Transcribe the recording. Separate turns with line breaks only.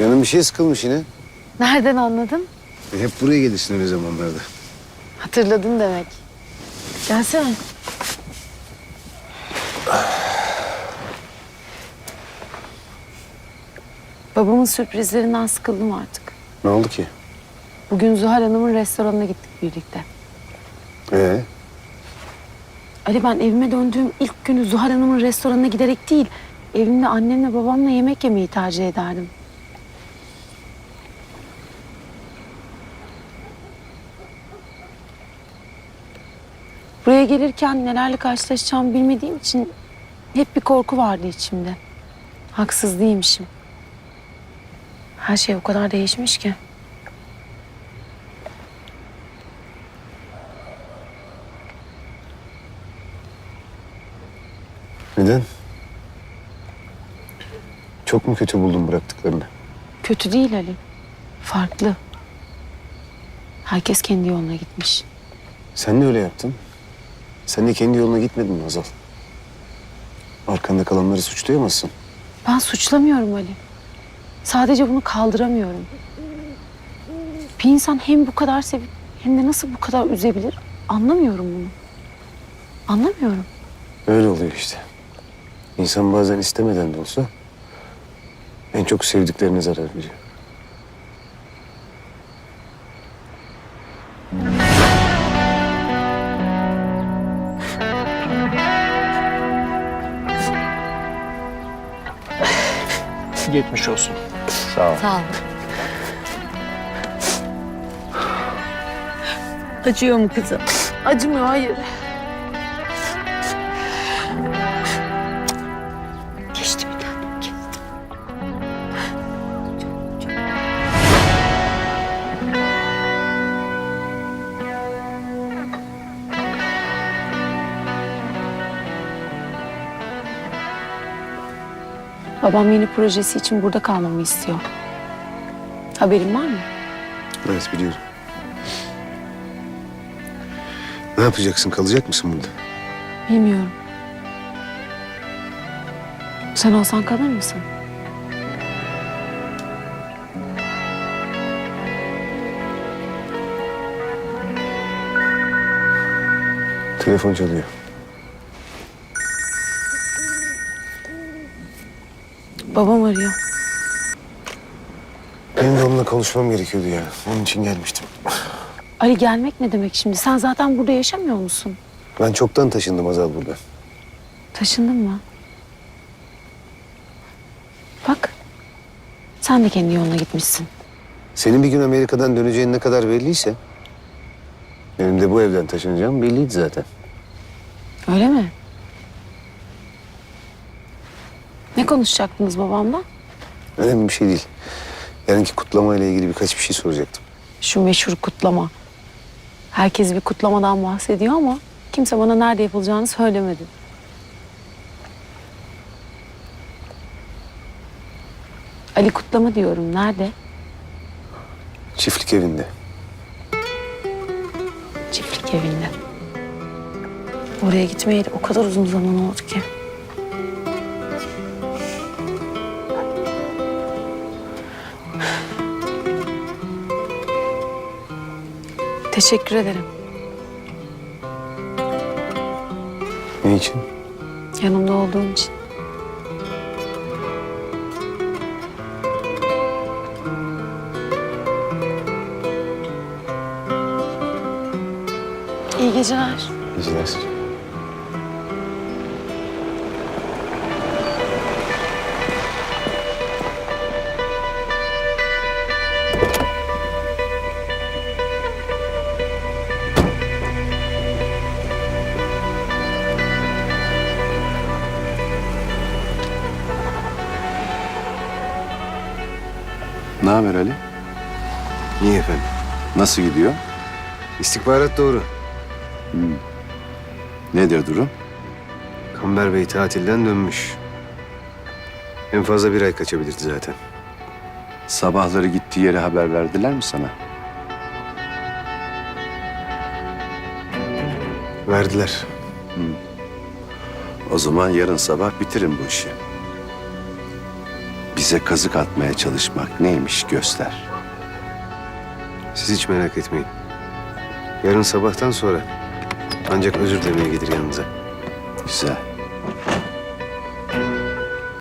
Canım bir şey sıkılmış yine.
Nereden anladın?
Hep buraya gelirsin öyle zamanlarda.
Hatırladın demek. Gelsene. Babamın sürprizlerinden sıkıldım artık.
Ne oldu ki?
Bugün Zuhal Hanım'ın restoranına gittik birlikte. Ali, ben evime döndüğüm ilk günü Zuhal Hanım'ın restoranına giderek değil, evimde annemle babamla yemek yemeyi tercih ederdim. Buraya gelirken nelerle karşılaşacağımı bilmediğim için hep bir korku vardı içimde. Haksız değilmişim. Her şey o kadar değişmiş ki.
Neden? Çok mu kötü buldun bıraktıklarını?
Kötü değil Ali. Farklı. Herkes kendi yoluna gitmiş.
Sen de öyle yaptın. Sen de kendi yoluna gitmedin mi Hazal? Arkanda kalanları suçlayamazsın.
Ben suçlamıyorum Ali. Sadece bunu kaldıramıyorum. Bir insan hem bu kadar sevip hem de nasıl bu kadar üzebilir? Anlamıyorum bunu. Anlamıyorum.
Öyle oluyor işte. İnsan bazen istemeden de olsa en çok sevdiklerine zarar veriyor.
Geçmiş olsun.
Sağ ol.
Sağ ol.
Acıyor mu kızım?
Acımıyor, hayır.
Geçti bir tane. Geçti.
Babam yeni projesi için burada kalmamı istiyor. Haberin var mı?
Evet, biliyorum. Ne yapacaksın? Kalacak mısın burada?
Bilmiyorum. Sen olsan kalır mısın?
Telefon çalıyor.
Babam arıyor.
Benim de onunla konuşmam gerekiyordu ya. Onun için gelmiştim.
Ali, gelmek ne demek şimdi? Sen zaten burada yaşamıyor musun?
Ben çoktan taşındım Hazal burada.
Taşındın mı? Bak. Sen de kendi yoluna gitmişsin.
Senin bir gün Amerika'dan döneceğin ne kadar belliyse... benim de bu evden taşınacağım belliydi zaten.
Öyle mi? Ne konuşacaktınız babamla?
Önemli bir şey değil. Yarınki kutlamayla ilgili birkaç bir şey soracaktım.
Şu meşhur kutlama. Herkes bir kutlamadan bahsediyor ama kimse bana nerede yapılacağını söylemedi. Ali, kutlama diyorum. Nerede?
Çiftlik evinde.
Çiftlik evinde. Oraya gitmeyeli o kadar uzun zaman oldu ki. Teşekkür ederim.
Ne için?
Yanımda olduğun için. İyi geceler.
Geceler.
Ne haber Ali?
İyi efendim.
Nasıl gidiyor?
İstihbarat doğru.
Nedir durum?
Kamber Bey tatilden dönmüş. En fazla bir ay kaçabilirdi zaten.
Sabahları gittiği yere haber verdiler mi sana?
Verdiler.
O zaman yarın sabah bitirin bu işi. bize kazık atmaya çalışmak neymiş göster.
Siz hiç merak etmeyin. Yarın sabahtan sonra ancak özür dilemeye gelir yanınıza.
Güzel.